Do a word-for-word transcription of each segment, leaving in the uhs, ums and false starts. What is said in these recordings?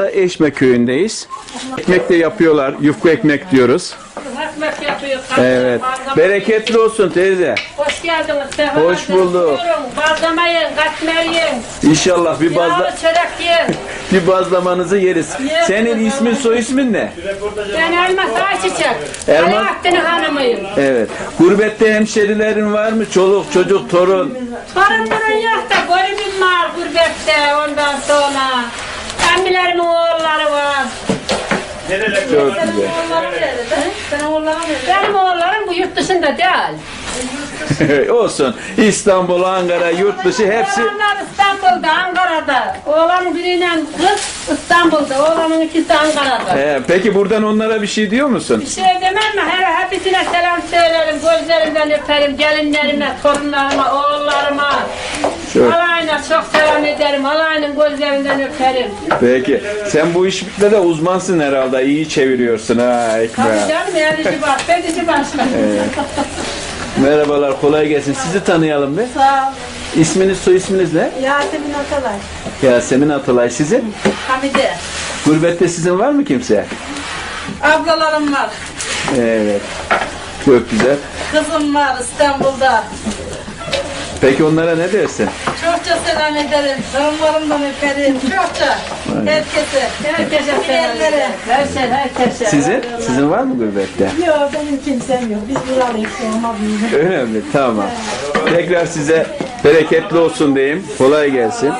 anda Eşme köyündeyiz. Ekmek de yapıyorlar. Yufka ekmek diyoruz. Ekmek yapıyor. Evet. Bereketli olsun teyze. Hoş geldiniz. Sefa Hoş bulduk. Buyurun. Bazlama yiyin, katmer yiyin. İnşallah bir bazla Yağlı çörek yiyin. bir bazlamanızı yeriz. Senin ismin soy ismin ne? Ben Elmas Ayçiçek. Elmas- Alaaddin hanımıyım. Evet. Gurbette hemşerilerin var mı? Çoluk, çocuk, torun. Torunların yok da golümüm var gurbette ondan sonra. Emmilerimin oğulları var. Çok güzel. Senin oğulların nerede? Benim oğullarım bu yurt dışında değil. Olsun. İstanbul, Ankara, yurt dışı hepsi. Oğlanlar İstanbul'da, Ankara'da. Oğlanın biriyle kız İstanbul'da, oğlanın ikisi Ankara'da. He, peki buradan onlara bir şey diyor musun? Bir şey demem mi? Her hepsine selam söylerim, gözlerinden öperim, gelinlerime, torunlarıma, oğullarıma. Çok. Alayına çok selam ederim, alayının gözlerinden öperim. Peki. Sen bu işle de uzmansın herhalde. İyi çeviriyorsun ha Tabii ekmeği. canım, elici var, bedici başka. Merhabalar, kolay gelsin. Sizi tanıyalım bir. Sağ ol. İsminiz, soy isminiz ne? Yasemin Atalay. Yasemin Atalay. Sizin? Hamide. Gurbette sizin var mı kimse? Ablalarım var. Evet. Çok güzel. Kızım var İstanbul'da. Peki onlara ne dersin? Çokça selam ederim. Torunlarımdan öperim. Çokça. Herkese. Herkese selam ederim. Herkese, herkese. Sizin? Sizin var mı gurbette? Yok benim kimsem yok. Biz buralıyız olma büyüdük. Öyle mi? Tamam. Tekrar size bereketli olsun diyeyim. Kolay gelsin.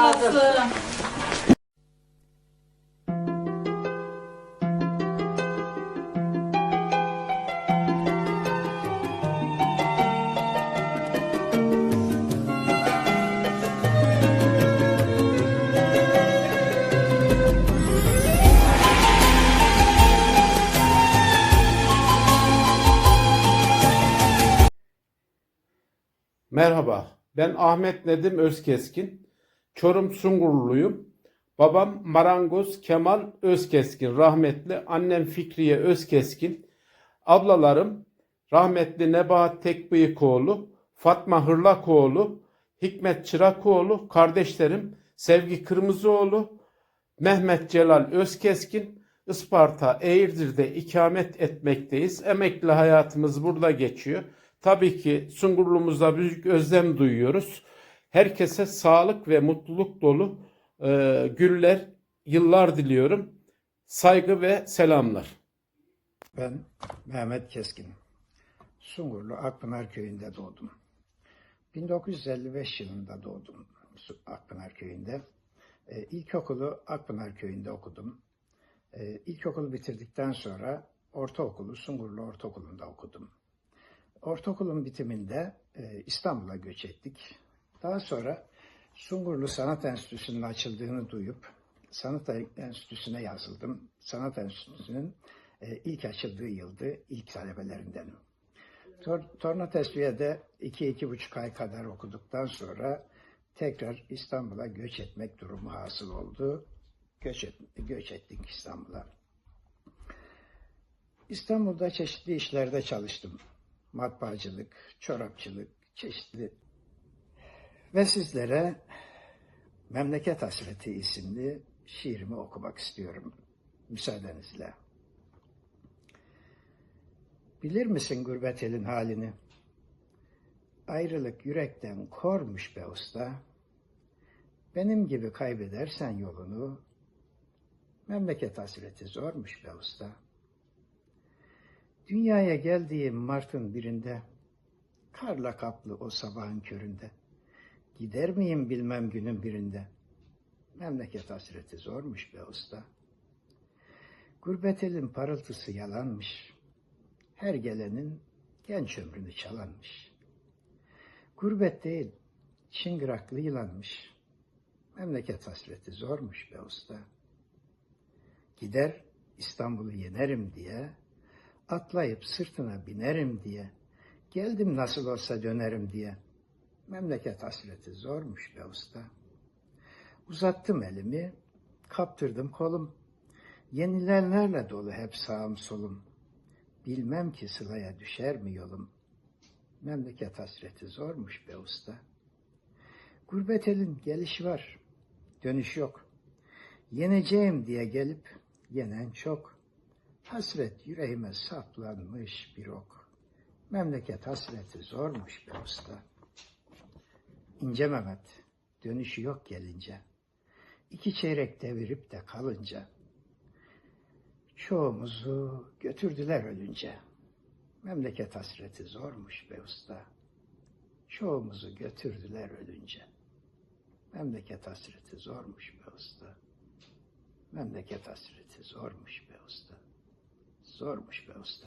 Merhaba, ben Ahmet Nedim Özkeskin. Çorum Sungurluyum. Babam Marangoz Kemal Özkeskin, rahmetli. Annem Fikriye Özkeskin. Ablalarım rahmetli Nebahat Tekbıyıkoğlu, Fatma Hırlakoğlu, Hikmet Çırakoğlu, kardeşlerim Sevgi Kırmızıoğlu, Mehmet Celal Özkeskin. Isparta, Eğirdir'de ikamet etmekteyiz. Emekli hayatımız burada geçiyor. Tabii ki Sungurlu'muzda büyük özlem duyuyoruz. Herkese sağlık ve mutluluk dolu e, günler, yıllar diliyorum. Saygı ve selamlar. Ben Mehmet Keskin. Sungurlu Akpınar Köyü'nde doğdum. bin dokuz yüz elli beş yılında doğdum Akpınar Köyü'nde. Ee, ilkokulu Akpınar Köyü'nde okudum. Ee, ilkokulu bitirdikten sonra ortaokulu Sungurlu Ortaokulu'nda okudum. Ortaokulun bitiminde e, İstanbul'a göç ettik. Daha sonra Sungurlu Sanat Enstitüsü'nün açıldığını duyup Sanat Enstitüsü'ne yazıldım. Sanat Enstitüsü'nün e, ilk açıldığı yıldı, ilk talebelerindenim. Tor Torna Tesviye'de iki iki buçuk ay kadar okuduktan sonra tekrar İstanbul'a göç etmek durumu hasıl oldu. Göç, et, göç ettik İstanbul'a. İstanbul'da çeşitli işlerde çalıştım. Matbaacılık, çorapçılık, çeşitli. Ve sizlere Memleket Hasreti isimli şiirimi okumak istiyorum. Müsaadenizle. Bilir misin gurbet elin halini? Ayrılık yürekten kormuş be usta. Benim gibi kaybedersen yolunu, memleket hasreti zormuş be usta. Dünyaya geldiğim Mart'ın birinde, karla kaplı o sabahın köründe, gider miyim bilmem günün birinde, memleket hasreti zormuş be usta. Gurbet elin parıltısı yalanmış, her gelenin genç ömrünü çalanmış. Gurbet değil, çıngıraklı yılanmış, memleket hasreti zormuş be usta. Gider İstanbul'u yenerim diye, atlayıp sırtına binerim diye, geldim nasıl olsa dönerim diye, memleket hasreti zormuş be usta. Uzattım elimi, kaptırdım kolum, yenilenlerle dolu hep sağım solum. Bilmem ki sılaya düşer mi yolum, memleket hasreti zormuş be usta. Gurbet elin gelişi var, dönüş yok. Yeneceğim diye gelip yenen çok. Hasret yüreğime saplanmış bir ok. Memleket hasreti zormuş be usta. İnce Mehmet, dönüşü yok gelince. İki çeyrek devirip de kalınca. Çoğumuzu götürdüler ölünce. Memleket hasreti zormuş be usta. Çoğumuzu götürdüler ölünce. Memleket hasreti zormuş be usta. Memleket hasreti zormuş be usta. Zormuş be usta.